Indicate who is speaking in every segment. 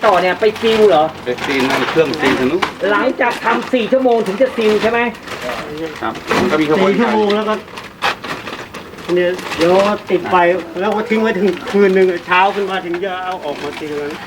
Speaker 1: ต่อเนี่ยไปซีลเหรอ
Speaker 2: ไปซีนเครื่องซีนทางนู้น
Speaker 1: หลังจากทำ4 ชั่วโมงถึงจะซีลใช่ไหม
Speaker 2: ครับก็มีกระบวน
Speaker 3: 4 ชั่วโมงแล้วก็เนี่ยเดี๋ยวติดไฟแล้วก็ทิ้งไว้ถึงคืนหนึ่งเช้าขึ้นมาถึงจะเอาออกมาซีลกัน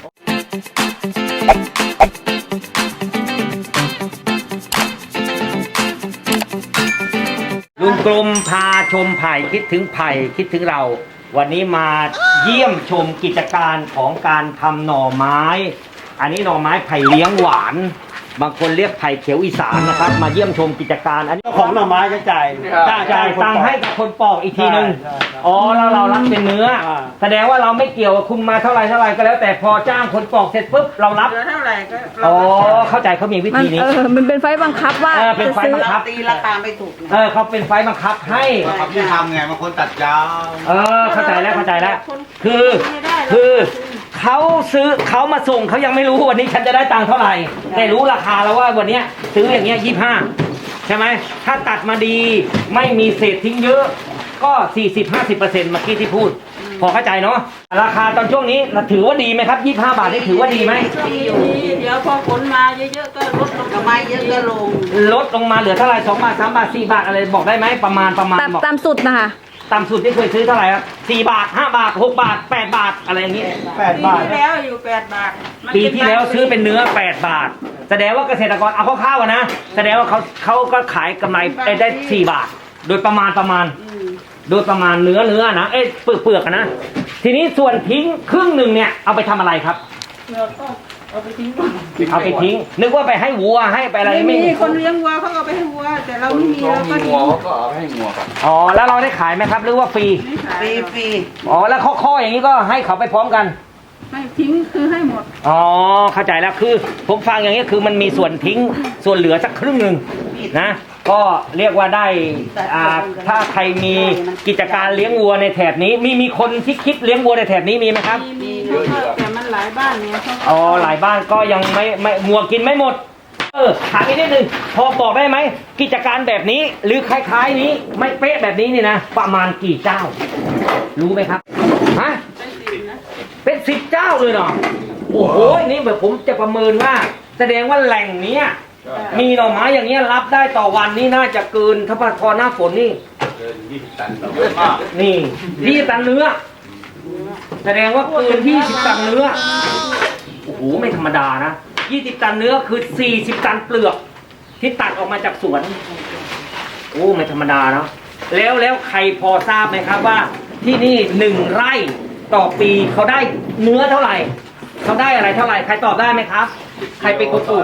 Speaker 1: ลุงกลมพาชมไผ่คิดถึงไผ่คิดถึงเราวันนี้มาเยี่ยมชมกิจการของการทำหน่อไม้ อันนี้หน่อไม้ไผ่เลี้ยงหวานบางคนเรียกไผ่เขียวอีสานนะครับมาเยี่ยมชมกิจการอันนี้
Speaker 3: ของหน่อไม้จะจ่าย
Speaker 1: ตังค์ให้กับคนปอกอีกทีนึงอ๋อแล้วเรารับเป็นเนื้อแสดงว่าเราไม่เกี่ยวคุณมาเท่าไรก็แล้วแต่พอจ้างคนปอกเสร็จปุ๊บเรารับ
Speaker 4: เท่าไหร่ก็
Speaker 1: อ๋อเข้าใจเขามีวิธีนี้
Speaker 5: มันเป็นไฟบังคับว่า
Speaker 1: เป็นไฟบังคับ
Speaker 4: ตีราคาไม่ถูก
Speaker 1: เขาเป็นไฟบังคับให้
Speaker 2: ที่ทำไงบางคนตัดยาว
Speaker 1: เข้าใจแล้วคือเขามาส่งเขายังไม่รู้วันนี้ฉันจะได้ตังค์เท่าไหร่แต่รู้ราคาแล้วว่าวันนี้ซื้ออย่างเงี้ย25ใช่ไหมถ้าตัดมาดีไม่มีเศษทิ้งเยอะก็40-50%เมื่อกี้ที่พูดพอเข้าใจเนาะราคาตอนช่วงนี้ถือว่าดีไหมครับ25 บาทนี่ถือว่าดีไหม
Speaker 4: เดี๋ยวพอฝนมาเยอะๆก็ลดลงกำไรเยอะก็ลด
Speaker 1: ลงมาเหลือเท่าไหร่2 บาท3 บาท4 บาทอะไรบอกได้ไหมประมาณบอก
Speaker 5: ตามสุดนะคะ
Speaker 1: ต่ำสุดที่เคยซื้อเท่าไหร่ครับ4 บาท5 บาท6 บาท8 บาทอะไรอย่างนี้
Speaker 3: 8 บาท
Speaker 4: ที่แล้วอยู่8 บาท
Speaker 1: ปีที่แล้วซื้อเป็นเนื้อ8 บาทแสดงว่าเกษตรกรเอาคร่าวๆนะแสดงว่าเขาก็ขายกำไรได้4 บาทโดยประมาณโดยประมาณเนื้อนะเปลือกนะทีนี้ส่วนทิ้งครึ่งหนึ่งเนี่ยเอาไปทำอะไรครับ
Speaker 4: เอาไปทิ้ง
Speaker 1: นึกว่าไปให้วัวให้ไปอะไร
Speaker 4: ไม่มีคนเลี้ยงวัวเขาเอาไปให้วัวแต่เราไม่มีเราก็ทิ้ง
Speaker 2: ก็เอาให้งัวครับ
Speaker 1: อ๋อแล้วเราได้ขายไหมครับหรือว่าฟรีอ๋อแล้วข้ออย่างนี้ก็ให้เขาไปพร้อมกัน
Speaker 4: ไม่ทิ้งคือให้หมด
Speaker 1: อ๋อเข้าใจแล้วคือผมฟังอย่างนี้คือมันมีส่วนทิ้งส่วนเหลือสักครึ่งหนึ่งนะก็เรียกว่าได้ถ้าใครมีกิจการเลี้ยงวัวในแถบนี้มีคนที่คิดเลี้ยงวัวในแถบนี้มีไหมครับ
Speaker 4: มีแต่มันหลายบ้านเนี่ย
Speaker 1: อ๋อหลายบ้านก็ยังไม่วัวกินไม่หมดถามอีกนิดนึงพอบอกได้ไหมกิจการแบบนี้หรือคล้ายๆนี้ไม่เป๊ะแบบนี้นี่นะประมาณกี่เจ้ารู้ไหมครับฮะเป็น10 เจ้าเลยเนาะโอ้โหนี่แบบผมจะประเมินว่าแสดงว่าแหล่งนี้มีหน่อไม้อย่างเงี้ยรับได้ต่อวันนี่น่าจะเกินถ้าพอหน้าฝนนี่
Speaker 2: เกิน20 ตัน
Speaker 1: นี่20 ตันเนื้อแสดงว่าเกิน20 ตันเนื้อโอ้โหไม่ธรรมดานะ20 ตันเนื้อคือ40 ตันเปลือกที่ตัดออกมาจากสวนโอ้ไม่ธรรมดานะแล้วใครพอทราบไหมครับว่าที่นี่1 ไร่ต่อปีเขาได้เนื้อเท่าไหร่เขาได้อะไรเท่าไหร่ใครตอบได้ไหมครับใครเป็นคนปลูก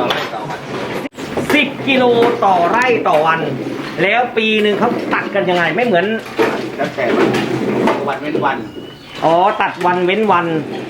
Speaker 1: 10 กิโลต่อไร่ต่อวันแล้วปีหนึ่งเขาตัดกันยังไงไม่เหมือน
Speaker 2: แล้วแต่วันเว้นวัน
Speaker 1: อ๋อตัดวันเว้นวัน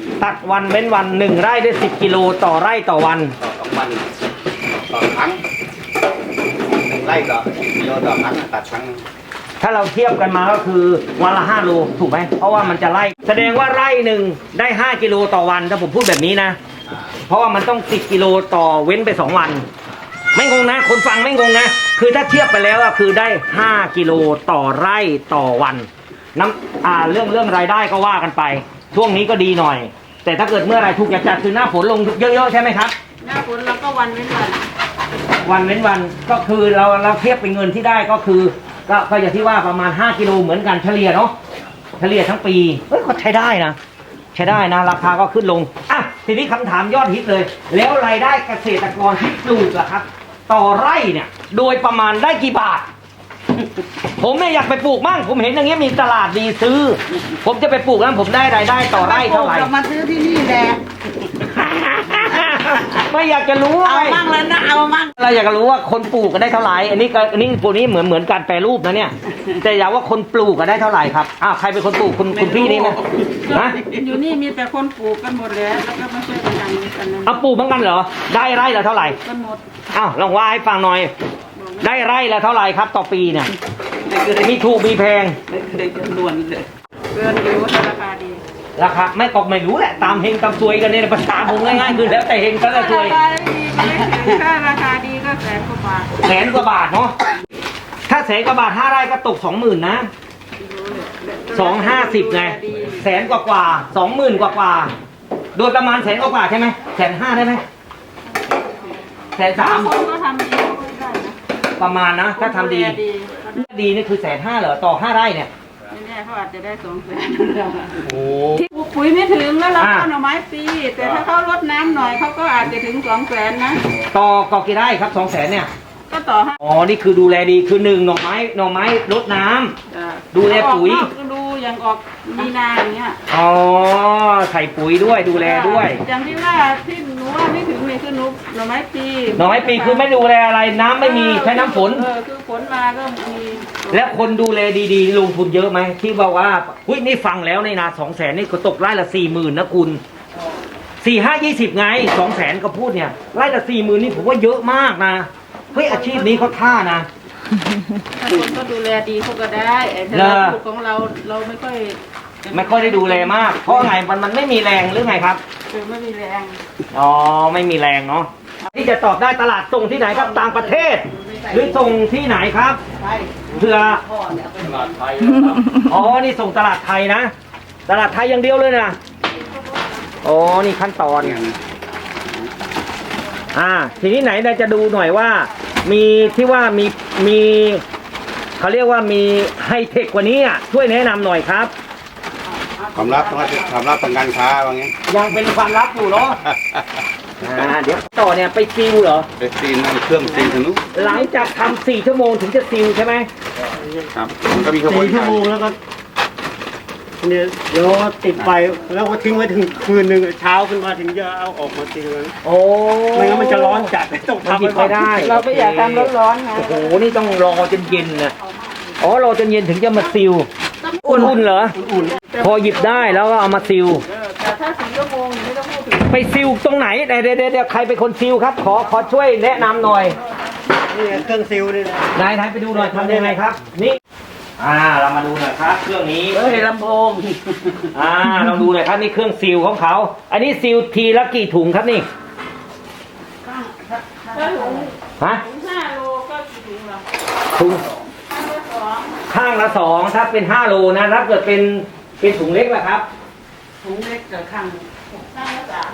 Speaker 1: 1 ไร่ได้10 กิโลต่อไร่ต่อวัน
Speaker 2: ต่อวันต่อครั้ง1 ไร่ต่อกิโลต่อครั้งตัดครั้ง
Speaker 1: ถ้าเราเทียบกันมาก็คือวันละ5 โลถูกไหมเพราะว่ามันจะไร่แสดงว่าไร่หนึ่งได้5 กิโลต่อวันถ้าผมพูดแบบนี้นะเพราะว่ามันต้อง10 กิโลต่อเว้นไป2 วันไม่งงนะคนฟังไม่งงนะคือถ้าเทียบไปแล้วก็คือได้5 กิโลต่อไร่ต่อวันเรื่องรายได้ก็ว่ากันไปช่วงนี้ก็ดีหน่อยแต่ถ้าเกิดเมื่อไรถูกจัดคือหน้าฝนลงเยอะๆใช่ไหมครับ
Speaker 4: หน้าฝนแล้วก็วันเว้น
Speaker 1: วันก็คือเราเทียบเป็นเงินที่ได้ก็คือก็อย่างที่ว่าประมาณ5 กิโลเหมือนกันเฉลี่ยเนาะเฉลี่ยทั้งปีก็ใช้ได้นะราคาก็ขึ้นลงทีนี้คำถามยอดฮิตเลยแล้วรายได้เกษตรกรที่ปลูกล่ะครับต่อไร่เนี่ยโดยประมาณได้กี่บาทผมเนี่ยอยากไปปลูกมั่งผมเห็นอย่างเงี้ยมีตลาดดีซื้อผมจะไปปลูกแล้วผมได้รายได้ต่อไร่เท่าไหร่
Speaker 4: มาซื้อที่นี่แหละ
Speaker 1: ไม่อยากจะรู้
Speaker 4: เอามั่งแล้วนะเอามั่ง
Speaker 1: เราอยากจะรู้ว่าคนปลูกก็ได้เท่าไหร่อันนี้พวกนี้เหมือนการแปรรูปนะเนี่ยแต่อยากว่าคนปลูกก็ได้เท่าไหร่ครับใครเป็นคนปลูกคุณพี่นี่นะ
Speaker 4: อยู่นี่มีแต่คนปลูกกันหมดแล้วก็มาช่วยกัน
Speaker 1: นะปลูกเหมือนกันเหรอได้ไร่ละเท่าไหร่
Speaker 4: กันหมด
Speaker 1: ลองว่าให้ฟังหน่อยได้ไร่ละเท่าไหร่ครับต่อปีเนี่ยมีถูกมีแพง
Speaker 4: เกินล้วนเลยเกินอยู่ราคาดี
Speaker 1: ราคาไม่รู้แหละตามเฮงตามซวยกันเนี่ยภาษาผมง่ายๆคือแล้วแต่เฮงก็แล้วซวย
Speaker 4: ถ้าราคาดีก็100,000 กว่าบาท
Speaker 1: 100,000 กว่าบาทเนาะถ้า100,000 กว่าบาท5 ไร่ก็ตก 20,000 นะ250ไง100,000 กว่า20,000 กว่าโดยประมาณ100,000กว่าใช่ไหม150,000ได้ไหม130,000
Speaker 4: คนก็ทำดีเขาก็ได้นะ
Speaker 1: ประมาณนะถ้าทำดี
Speaker 4: คนดูแล
Speaker 1: ดีนี่คือ150,000เหรอต่อ5 ไร่เนี่ย
Speaker 4: ไม่แน่เขาอาจจะได้200,000
Speaker 1: โอ้
Speaker 4: ปลูกปุ๋ยไม่ถึงแล้วเรา
Speaker 1: อ่า
Speaker 4: ก็หน่อไม้ฟรีแต่ถ้าเขาลดน้ำหน่อยเขาก็อาจจะถึง200,000นะ
Speaker 1: ต่อกี่ไร่ครับ200,000เนี่ย
Speaker 4: ก็ต่อให้
Speaker 1: อ๋อนี่คือดูแลดีคือ1หน่อไม้รดน้ำ ดูแลปุ๋ย
Speaker 4: ออกนอกก็ดูอย่างออกมีนาอย่างเงี้ย
Speaker 1: อ๋อใส่ปุ๋ยด้วยดูแลด้วย
Speaker 4: อย่างที่ว่าที่หนูว่าไม่ถึงนี่คือหนูหน่อไม้ปี
Speaker 1: หน่อไม้ปีคือไม่ดูแลอะไรน้ำไม่มีใช้น้ำฝน
Speaker 4: คือฝนมาก็มี
Speaker 1: แล้วคนดูแลดีๆ ลงทุนเยอะไหมที่บอกว่าอุ้ยนี่ฟังแล้วในนา200,000นี่ก็ตกไร่ละ40,000นะคุณ4-5-20ไง200,000ก็พูดเนี่ยไร่ละ40,000นี่ผมว่าเยอะมากนะเฮ้ยอาชีพนี้เขาท่านะ
Speaker 4: ถ้าคนก็ดูแลดีเขาก็ได้แต่เราพูดของเราไม่ค่อย
Speaker 1: ได้ดูแลมาก เพราะไงมันไม่มีแรงหรือไงครับ
Speaker 4: คือไม่มีแรง
Speaker 1: อ๋อไม่มีแรงเนาะที่จะตอบได้ตลาดส่งที่ไหนครับต่างประเทศ หรือส่งที่ไหนครับเพื่อ
Speaker 2: ตลาดไทย
Speaker 1: อ๋อนี่ส่งตลาดไทยนะ ตลาดไทยอย่างเดียวเลยนะอ๋อนี่ขั้นตอน ทีนี้ไหนเราจะดูหน่อยว่า มีที่ว่ามีเขาเรียกว่ามีไฮเทคกว่านี้อ่ะช่วยแนะนำหน่อยครับ
Speaker 2: ความลับต้องความลับทางการค้าว่างี้
Speaker 1: ยังเป็นความลับอยู่เนาะ เดี๋ยวต่อเนี่ยไปซิลเหรอ
Speaker 2: ไปซีนเครื่องซีนทางนู้น
Speaker 1: หลังจากทำ4 ชั่วโมงถึงจะซิลใช่ไหม
Speaker 2: ครับมันก็มีขบวน
Speaker 3: 4 ชั่
Speaker 2: กาว ร
Speaker 3: โมงแล้วก็เนี่ยเดี๋ยวติดไฟแล้วก็ทิ้งไว้ถึงคืนหนึ่งเช้าขึ้นมาถึงจะเอาออกมาตีเลย
Speaker 1: โอ้
Speaker 3: ไม่งั้นมันจะร้อนจัดต้อง
Speaker 1: มัน
Speaker 3: ทำ
Speaker 1: หยิบไม่ได้
Speaker 4: เราไม่อยากทำร้อนๆไง
Speaker 1: โอ้โหนี่ต้องรอจนเย็นนะอ๋อรอจนเย็นถึงจะมาซิลอุ่นๆเหรอ
Speaker 3: อุ่น
Speaker 1: พอหยิบได้แล้วก็เอามาซิล
Speaker 4: แต่ถ้า4 ชั่วโมงไม่ต้องพูดถึง
Speaker 1: ไปซิลตรงไหนเดี๋ยวใครเป็นคนซิลครับ ขอช่วยแนะนำหน่อย
Speaker 3: ๆนี่เครื่องซิลนี่นะ
Speaker 1: นายไปดูหน่อยทำยังไงครับ นี่เรามาดูหน่อยครับเครื่องนี้
Speaker 4: เฮ้ยลำโพง
Speaker 1: ลองดูหน่อยครับนี่เครื่องซิลของเขาอันนี้ซิลทีละกี่ถุงครับนี่
Speaker 4: ถ้าถุง
Speaker 1: ฮะ
Speaker 4: 5 โลก็กี่ถุงเหรอ
Speaker 1: ถุง
Speaker 4: 2
Speaker 1: ข้างละ2ถ้าเป็น5 โลนะถ้าเกิดเป็นถุงเล็กล่ะครับ
Speaker 4: ถุงเล็กกับข้างละ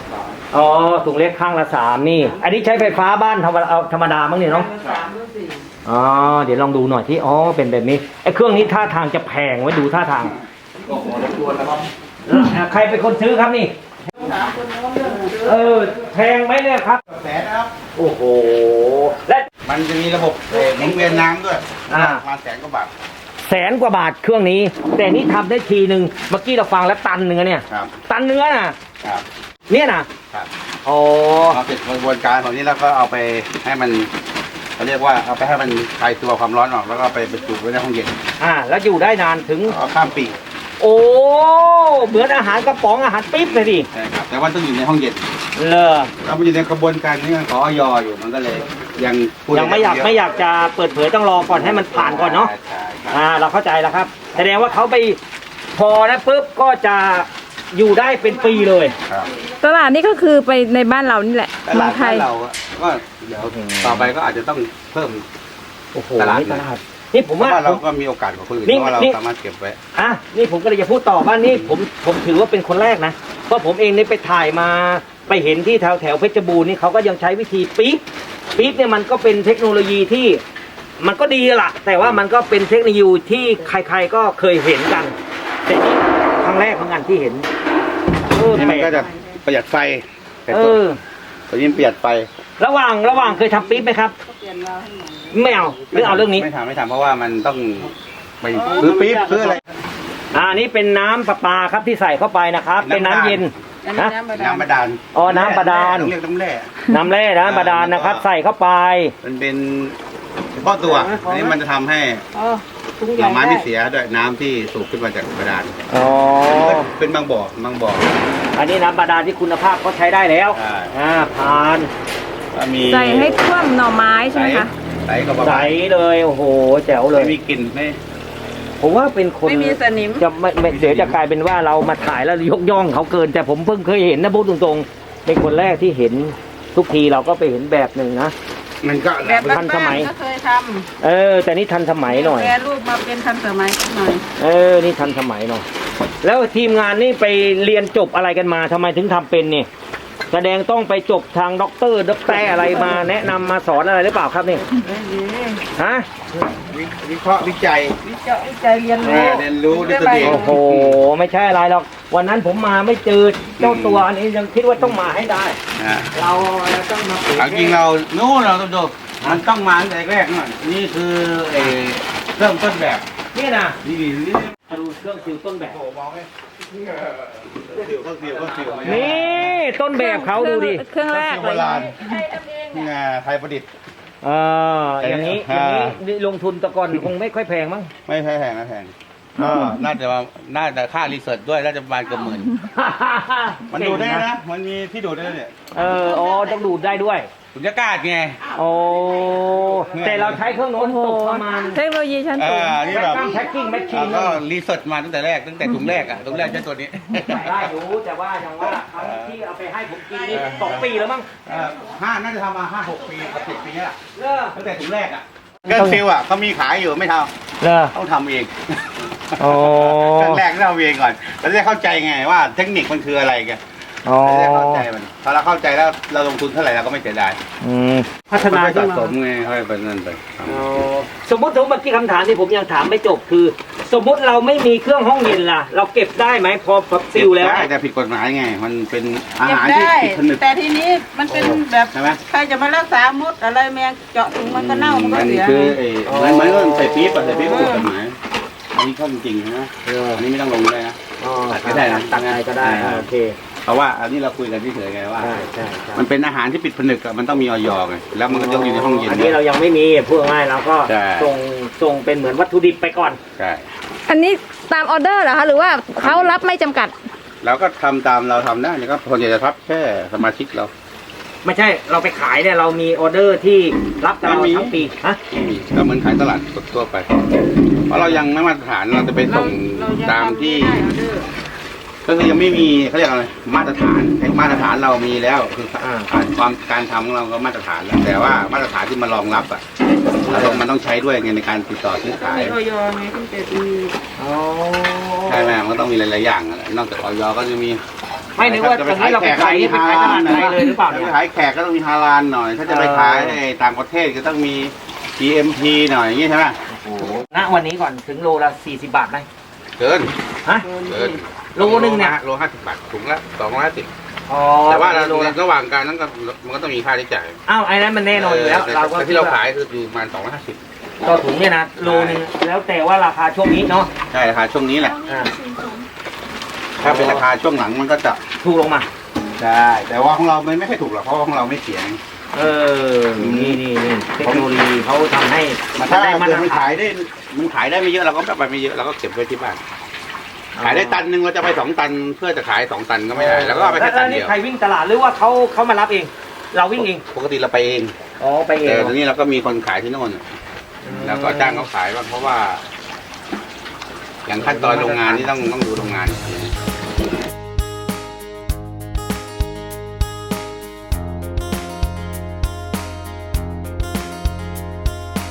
Speaker 4: 3
Speaker 1: อ๋อถุงเล็กข้างละ3นี่ อันนี้ใช้ไฟฟ้าบ้านธรรมดามั้งเนี่ยเนาะ
Speaker 4: 3 หรือ 4
Speaker 1: อ๋อเดี๋ยวลองดูหน่อยที่อ๋อเป็นแบบนี้ไอ้เครื่องนี้ท่าทางจะแพงไว้ดูท่าทาง
Speaker 2: ก็ขอรบกวนนะครับ
Speaker 1: ใครเป็นคนซื้อครับนี่
Speaker 4: ถามคนโน้นเรื่องเดิม
Speaker 1: แพงไหมเนี่ยครับ
Speaker 2: แสนนะครับ
Speaker 1: โอ้โหและ
Speaker 2: มันจะมีระบบหมุนเวียนน้ำด้วย
Speaker 1: อ่า
Speaker 2: ประมาณ100,000 กว่าบาท
Speaker 1: 100,000 กว่าบาทเครื่องนี้ แต่นี่ทำได้ทีหนึ่งเมื่อกี้เราฟังแล้วตันเนื้อเนี่ย
Speaker 2: ครับ
Speaker 1: ตันเนื้อน่ะ
Speaker 2: ครับ
Speaker 1: เนี่ยนะครับ อ๋อ
Speaker 2: เราเสร็จกระบวนการของนี้แล้วก็เอาไปให้มันเขาเรียกว่าเอาไปให้มันคลายตัวความร้อนออกแล้วก็ไปบรรจุไว้ในห้องเย็น
Speaker 1: แล้วอยู่ได้นานถึง
Speaker 2: เอาข้ามปี
Speaker 1: โอ้เหมือนอาหารกระป๋องอาหารปิ๊บเลยดิ
Speaker 2: ใช่ครับแต่ว่าต้องอยู่ในห้องเย็น
Speaker 1: เลอ
Speaker 2: เราอยู่ในกระบวนการนี้มันขออยอยู่มันก็เลยยังพูด
Speaker 1: ยังไม่อยากจะเปิดเผยต้องรอก่อนให้มันผ่านก่อนเนาะ
Speaker 2: ใช่ครับ
Speaker 1: เราเข้าใจแล้วครับแสดงว่าเขาไปพอนะปุ๊บก็จะอยู่ได้เป็นปีเลย
Speaker 2: ครับ
Speaker 5: ตลาดนี่ก็คือไปในบ้านเรานี่แหละ
Speaker 2: ต
Speaker 5: เมื
Speaker 2: ลา
Speaker 5: อ
Speaker 2: ด
Speaker 5: งไท
Speaker 2: บ้าน
Speaker 5: ย
Speaker 2: เราอะก็เดี๋ยวต่อไปก็อาจจะต้องเพิ่ม
Speaker 1: โอ้โห
Speaker 2: ตลาด
Speaker 1: นี่ตลาดนี่ผม
Speaker 2: เพราะ
Speaker 1: ว่า
Speaker 2: ว่าเราก็มีโอกาสกว่าคนอื่น
Speaker 1: นี่
Speaker 2: เพราะว่าเรา
Speaker 1: นี่
Speaker 2: สามารถเก็บไว้
Speaker 1: นี่ผมก็เลยจะพูดต่อว่านี่ผมถือว่าเป็นคนแรกนะเพราะผมเองนี่ไปถ่ายมาไปเห็นที่แถวเพชรบูรณ์นี่เขาก็ยังใช้วิธีปี๊บเนี่ยมันก็เป็นเทคโนโลยีที่มันก็ดีละแต่ว่ามันก็เป็นเทคโนโลยีที่ใครๆก็เคยเห็นกันแต่นี่ครั้งแรกเหมือนกันที่เห็น
Speaker 2: นี่มันก็จะประหยัดไฟแต่
Speaker 1: เอ
Speaker 2: ตัว
Speaker 1: อ
Speaker 2: ตัวนี้ประหยัดไฟ
Speaker 1: ระหว่างเคยทำปี๊บไหมครับ
Speaker 4: เปลี่ยนเราให้หน่อย
Speaker 1: ไม่เอาหรือเอาเรื่องนี้
Speaker 2: ไม่ทำเพราะว่ามันต้องไปซื้อปี๊บซื้ออะไร
Speaker 1: นี่เป็นน้ำประปาครับที่ใส่เข้าไปนะครับ เป็นน้ำเย็น
Speaker 4: อันนี้
Speaker 1: นะ
Speaker 4: น้ำบาดาล
Speaker 2: น้ำบาดาล
Speaker 1: อ๋อน้ำบาดาล
Speaker 2: ต้องเรียกน้ำแร่
Speaker 1: น้ำแร่น้ำบาดาลนะครับ ใส่เข้าไป
Speaker 2: มันเป็นเฉพาะตัวอันนี้มันจะทำให้
Speaker 4: อ๋อถุง
Speaker 2: ห
Speaker 4: ให
Speaker 2: น่
Speaker 4: ญ่
Speaker 2: อไม้
Speaker 4: ได้
Speaker 2: ไม่เสียด้วยน้ำที่สูบขึ้นมาจากบาดาล
Speaker 1: อ๋อ
Speaker 2: เป็นบางบ่อ
Speaker 1: อันนี้น้ำบาดาลที่คุณภาพเขาใช้ได้แล้ว
Speaker 2: ใช่
Speaker 1: ผ่าน
Speaker 2: ก็มี
Speaker 5: ใส่ให้ท่วมหน่อไม้ใช่ไหมคะ
Speaker 2: ใสก็ประ
Speaker 1: ใส
Speaker 2: มาณ
Speaker 1: เลยโอ้โหแจ๋วเลย
Speaker 2: ไม่มีกลิ่นไม่
Speaker 1: ผมว่าเป็นคน
Speaker 4: ไม่มีสนิม
Speaker 1: จะไม่เดี๋ยวจะกลายเป็นว่าเรามาถ่ายแล้วยกย่องเขาเกิน แต่ผมเพิ่งเคยเห็นนะพูดตรงๆเป็นคนแรกที่เห็นทุกทีเราก็ไปเห็นแบบหนึ่งนะ
Speaker 2: มันก็
Speaker 4: แบบ
Speaker 1: ทันสมัย
Speaker 4: บ้านๆก็เคยท
Speaker 1: แต่นี่ทันสมั
Speaker 4: ำ
Speaker 1: ยหน่อย
Speaker 4: แปรรูปมาเป็นทันสมัยหน่อย
Speaker 1: นี่ทันสมัยหน่อยแล้วทีมงานนี่ไปเรียนจบอะไรกันมาทำไมถึงทำเป็นเนี่ยแสดงต้องไปจบทางด็อกเตอร์อะไรมาแนะนำมาสอนอะไรหรือเปล่าครับนี่ฮะ
Speaker 2: วิเคราะห์วิจัย
Speaker 4: วิจัยเรียนรู้
Speaker 2: เรียนรู้ด้วยตัวเอง
Speaker 1: โอ้โหไม่ใช่อะไรหรอกวันนั้นผมมาไม่เจอเจ้าตัวอันนี้ยังคิดว่าต้องมาให้ได้
Speaker 2: อ่า
Speaker 1: เราต้องมาเปิด
Speaker 2: เอาจริงเรานู่นเราต้องดูมันต้องมาตั้งแต่แรกหน่อยนี่คือเริ่มต้นแบบ
Speaker 1: นี่นะ
Speaker 2: นี่
Speaker 1: ดูเครื่องซิลต้นแบบ
Speaker 2: สิวก็สิวก็สิว
Speaker 1: นี่ต้นแบบเขาดูดิ
Speaker 5: เครื่องแรก
Speaker 2: โบ
Speaker 5: เลย
Speaker 2: ราณไทยประดิษฐ์
Speaker 1: อย่างนี้นี่ลงทุนแตะก่อนคงไม่ค่อยแพงมั้ง
Speaker 2: ไม่แพงนะแพงน่าจะค่ารีเสิร์ชด้วยน่าจะประมาณเกือบหมื่นมันดูได้นะมันมีที่ดูได้เนี่ย
Speaker 1: อ๋อต้องดูดได้ด้วย
Speaker 2: สุญญากาศไง
Speaker 1: โอ้แต่เราใช้เครื่องโน้นตกประมาณ
Speaker 5: เทคโนโลยีชั้นสูง
Speaker 2: นี่แบบ
Speaker 1: แพ็คกิ้งแมชชีน
Speaker 2: ก็รีเสิร์ชมาตั้งแต่แรกตั้งแต่ถุงแรกอ่ะถุงแรกใช้ตัวนี้
Speaker 1: ได้รู้แต่ว่าอย่างว่าครั้งที่เอาไปให้ผมกินนี่2 ปีแล้วมั้ง
Speaker 2: น่าจะทำมา5-6 ปีกับ10 ปีแล้ว
Speaker 1: เลิก
Speaker 2: ตั้งแต่ถุงแรกอ่ะเครื่องซิลอ่ะเขามีขายอยู่ไม่ท
Speaker 1: เลิก
Speaker 2: ำต้องทำเอง
Speaker 1: โอ้
Speaker 2: เครื่องแรกเราทำเองก่อนเราจะได้เข้าใจไงว่าเทคนิคมันคืออะไรกัน
Speaker 1: อ๋อ
Speaker 2: เราจะได้เข้าใจมันพอเราเข้าใจแล้วเราลงทุนเท่าไหร่เราก็ไม่เสียดาย
Speaker 3: พัฒนา
Speaker 2: ไป
Speaker 3: ขึ้
Speaker 2: สะ
Speaker 3: นมา
Speaker 2: สมไงค่อยเป็นนั่นไป
Speaker 1: สมมติเมื่อกี้คำถามที่ผมยังถามไม่จบคือ สมมติเราไม่มีเครื่องห้องเย็นล่ะ เราเก็บได้ไหมพอซิลแล้ว
Speaker 2: ได้แต่ผิดกฎหมายไง มันเป็นอา
Speaker 4: เก็บ
Speaker 2: หารที่
Speaker 4: ได้
Speaker 2: ผิดผนึก
Speaker 4: แต่ทีนี้มันเป็นแบบ
Speaker 2: ใช่ไหม
Speaker 4: ใครจะมารักษามดอะไรแมงเจาะถุงมันก็เน่ามันก็
Speaker 2: มัน
Speaker 4: เสีย
Speaker 2: คือ
Speaker 4: ไง
Speaker 2: มันเหมือนกับใส่ปี๊บอะใส่ปี๊บก็ผิดกฎหมายอันนี้เข้าจริงๆนะอันนี้ไม่ต้องลงเลยนะ ตัดก็ได้นะ
Speaker 1: ตัดอะไรก็ได้โอเค
Speaker 2: เพราะว่าอันนี้เราคุยกันเฉยๆไงว่า
Speaker 1: ใช่
Speaker 2: มันเป็นอาหารที่ปิดผนึกอะมันต้องมีออยไงแล้วมันก็ต้องอยู่ในห้องเย็น
Speaker 1: อันนี้เรายังไม่มีพูดง่ายๆเราก็
Speaker 2: ใช่
Speaker 1: ส่งเป็นเหมือนวัตถุดิบไปก่อน
Speaker 2: ใช่
Speaker 5: อันนี้ตามออเดอร์เหรอคะ หรือว่าเขารับไม่จำกัด
Speaker 2: เราก็ทำตามเราทำได้แล้วก็คนจะทับแค่สมาชิกเรา
Speaker 1: ไม่ใช่เราไปขายเนี่ยเรามีออเดอร์ที่รับกับเรา
Speaker 2: ไม่มี
Speaker 1: ทั้งปีฮะ
Speaker 2: ไม่มีก็เหมือนขายตลาดสดทั่วไป เพราะเรายังไม่มาตรฐานเราจะไปส่ง
Speaker 4: เรายัง
Speaker 2: ตามที่
Speaker 4: ทำไม่ได้ออเดอร์
Speaker 2: ก็คือยังไม่มีเขาเรียกอะไรมาตรฐานไอ้มาตรฐานเรามีแล้วคือความการทำของเราก็มาตรฐานแล้วแต่ว่ามาตรฐานที่มารองรับอ่ะมันต้องใช้ด้วยไงในการติดต่อซื้อ
Speaker 4: ต้อง
Speaker 2: ขาย
Speaker 4: มีออยไงถึงจะมี
Speaker 2: ใช่ไหมมันก็ต้องมีหลายๆอย่างอะนอกจากออยก็จะมี
Speaker 1: ไม่นึกว่าตรงนี้เราไปขายนี่ไปขายตลาดไทยเลยหรือเปล่า
Speaker 2: ถ้า
Speaker 1: เนี่ย
Speaker 2: ไปขายแขกก็ต้องมีฮาลาลหน่อย ถ้าจะไปขายในต่างประเทศก็ต้องมี GMP หน่อยอย่างงี้ใช่ไหม
Speaker 1: ณวันนี้ก่อนถึงโลละ40 บาทไหม
Speaker 2: เกิน
Speaker 1: ฮะ
Speaker 2: เกิน
Speaker 1: โลนึงเนี่ย
Speaker 2: โล50 บาทถุงละ250
Speaker 1: อ๋อ
Speaker 2: แต่ว่าเรา
Speaker 1: โลละ
Speaker 2: ระหว่างการนั้นก็มันก็ต้องมีค่าใช้จ่าย
Speaker 1: อ้าวไอ้นั้นมันแน่นอนอยู่แล้ว เราก็
Speaker 2: แต่ที่เราขายคืออยู่ประมาณ250
Speaker 1: ต่อถุงเนี่ยนะโลนึงแล้วแต่ว่าราคาช่วงนี้เนาะ
Speaker 2: ใช่ราคาช่วงนี้แหละ
Speaker 1: อ่า
Speaker 2: ถ้าเป็นราคาช่วงหลังมันก็จะ
Speaker 1: ถูกลงมา
Speaker 2: ใช่แต่ว่าของเราไม่ค่อยถูกหรอกเพราะว่าของเราไม่เสียง
Speaker 1: นี่เทคโนโลยีเขาทำให้
Speaker 2: ถ้า
Speaker 1: ได้มา
Speaker 2: เกิ
Speaker 1: ต
Speaker 2: ด
Speaker 1: ร
Speaker 2: มัน
Speaker 1: ฐา
Speaker 2: ขาน ยได้มันขายได้ไม่เยอะเราก็แบบไปไม่เยอะเราก็เก็บไว้ที่บ้านขายได้ตันหนึ่งเราจะไป2 ตันเพื่อจะขาย2 ตันก็ไม่ได้แล้วก็เอาไปแค่ตัน
Speaker 1: นี่
Speaker 2: เดียว
Speaker 1: ใครวิ่งตลาดหรือว่าเขามารับเอง เราวิ่งเอง
Speaker 2: ปกติเราไปเอง
Speaker 1: อ๋อไปเอง
Speaker 2: แต่ทีนี้เราก็มีคนขายที่โน่นแล้วก็จ้างเขาขายบ้างเพราะว่า อย่างขั้นตอนโรงงานนี่ต้องดูโรงงาน